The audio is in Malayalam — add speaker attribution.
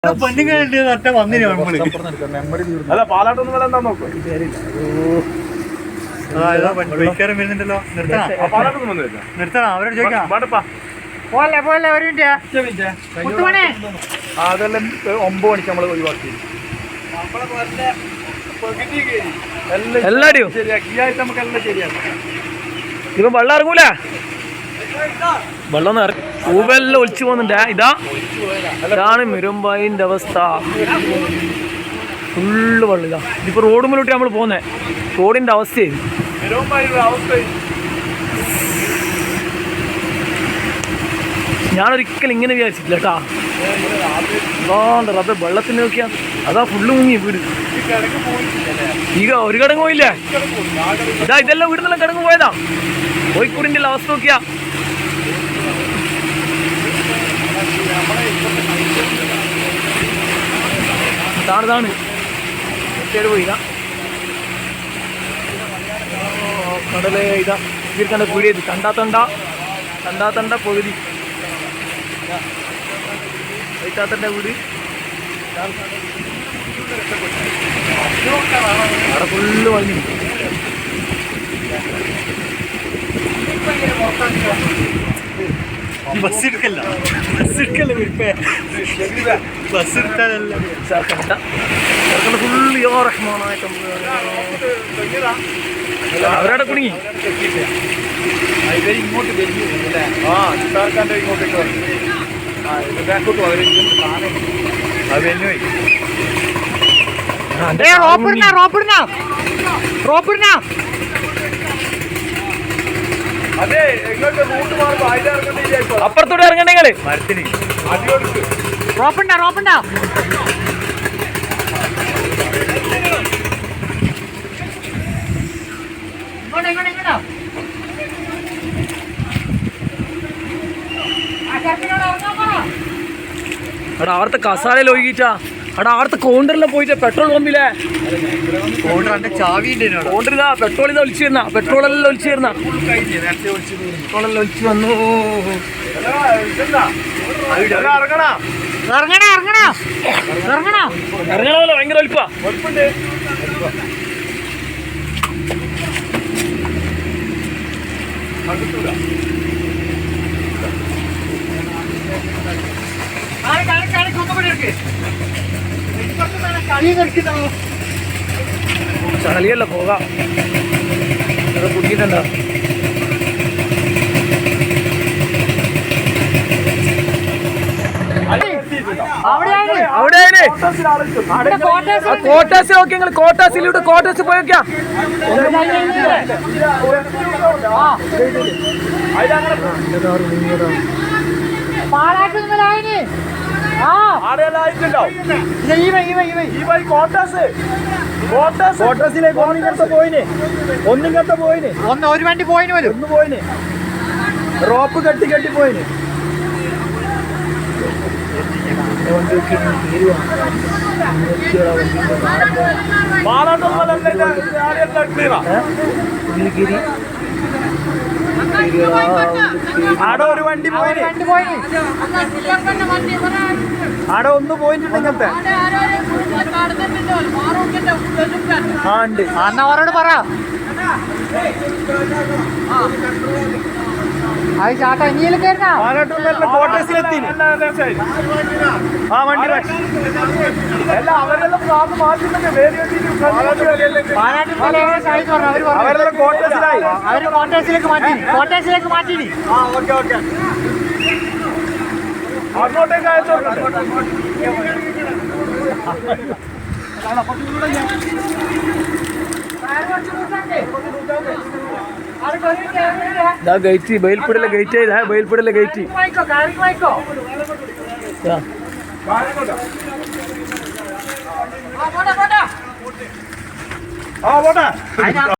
Speaker 1: പെണ്ണുങ്ങളുണ്ട് വന്നില്ല
Speaker 2: അല്ല പാലാട്ടൊന്നും വില എന്താ നോക്കോ
Speaker 1: വരുന്നുണ്ടല്ലോ നിർത്തണം അവരോട് ചോദിക്കാം പോലെ പോലെ ഒരു മിനിറ്റ്
Speaker 2: അതെല്ലാം 9 മണിക്ക് നമ്മൾ ഒഴിവാക്കി
Speaker 3: എല്ലാരും
Speaker 2: ശരിയാക്കി ഈ ആഴ്ച നമുക്ക് എല്ലാം ശരിയാക്കി
Speaker 3: ഇപ്പൊ വെള്ളം ഇറങ്ങൂല വെള്ളം പൂവെല്ലാം ഒലിച്ചു പോകുന്നുണ്ട് ഇതാണ് മിരുമ്പായിന്റെ അവസ്ഥ ഫുള്ള് വെള്ളം ഇതാ ഇതിപ്പോ റോഡ് മുന്നോട്ട് നമ്മൾ പോകുന്നേ റോഡിന്റെ അവസ്ഥയായി ഞാനൊരിക്കലും ഇങ്ങനെ വിചാരിച്ചിട്ടില്ല കേട്ടാ അത് വെള്ളത്തിന് നോക്കിയാ അതാ ഫുള്ള് മുങ്ങി വീട് ಈಗ ഒരു കടങ്ങ് പോയില്ലേ ഇതെല്ലാം വീടിനെല്ലാം കടങ്ങ് പോയതാ കോഴിക്കോടിന്റെ അവസ്ഥ നോക്കിയാ ഇതാണ് പോയില്ല കടല് ഇതാ ഇവർക്കണ്ട പീടിയത് കണ്ടാത്തണ്ട പകുതി വൈറ്റാത്തന്റെ വീട് അവിടെ ഫുള്ള് വഴി
Speaker 1: ബസ് എടുക്കല്ല ബസ് എടുത്താലല്ല
Speaker 3: ഫുള്ള് അവരവിടെ കുടുങ്ങി
Speaker 2: ഇങ്ങോട്ട് ഇങ്ങോട്ടേക്ക് അതെ എങ്ങോട്ട് റൂട്ട് മാറുമ്പോ അതിലിറങ്ങണ്ടേ
Speaker 3: അപ്പുറത്തോട്ട് ഇറങ്ങണ്ടേ നിങ്ങള്
Speaker 1: മരത്തിന്
Speaker 3: റോപ്പുണ്ട എടാ അവിടുത്തെ കസാലയിൽ ഒഴുകിച്ചാ എടാ അവിടുത്തെ കൗണ്ടറിലെ പോയിട്ട് പെട്രോൾ പമ്പില്ലേ കൗണ്ടർ ഇതാ പെട്രോൾ ഇതാ ഒലിച്ചു വരുന്ന പെട്രോളെല്ലാം ഒലിച്ചു വരുന്ന പെട്രോളെല്ലാം ഒലിച്ചു വന്നു ഇറങ്ങണമല്ലോ ഭയങ്കര ഒലിപ്പാ ചളിയല്ല പോകാം കുടിക്കണ്ട കോട്ടാസ് നോക്കി നിങ്ങൾ കോട്ടാസിലൂടെ കോട്ടാസ് പോയൊക്കെയാ കോട്ടസിലേക്ക് ഒന്നിങ്ങനത്തെ പോയിന്
Speaker 1: ഒരു വണ്ടി പോയിന് വരും
Speaker 3: ഒന്ന് പോയിന് റോപ്പ് കെട്ടി പോയിന് ആടെ ഒരു വണ്ടി പോയിന് ആടെ ഒന്ന് പോയിട്ടുണ്ടെങ്കിൽ ആ ഉണ്ട്
Speaker 1: അന്നവരോട് പറ അത് ചാട്ടാ ഇനിയിൽ കയറുന്ന
Speaker 3: കോട്ടേഴ്സിലെത്തി ആ വണ്ടി അവരെല്ലാം അവരെല്ലാം കോട്ടേഴ്സിലായി
Speaker 1: അവര് കോട്ടേഴ്സിലേക്ക് മാറ്റി
Speaker 2: അങ്ങോട്ടേക്ക് അയച്ചോട്ടെ
Speaker 3: ഗേറ്റ് ബയൽപ്പുടലെ ഗേറ്റ് ബയൽപ്പുടലെ ഗേറ്റ്
Speaker 2: പോട്ടെ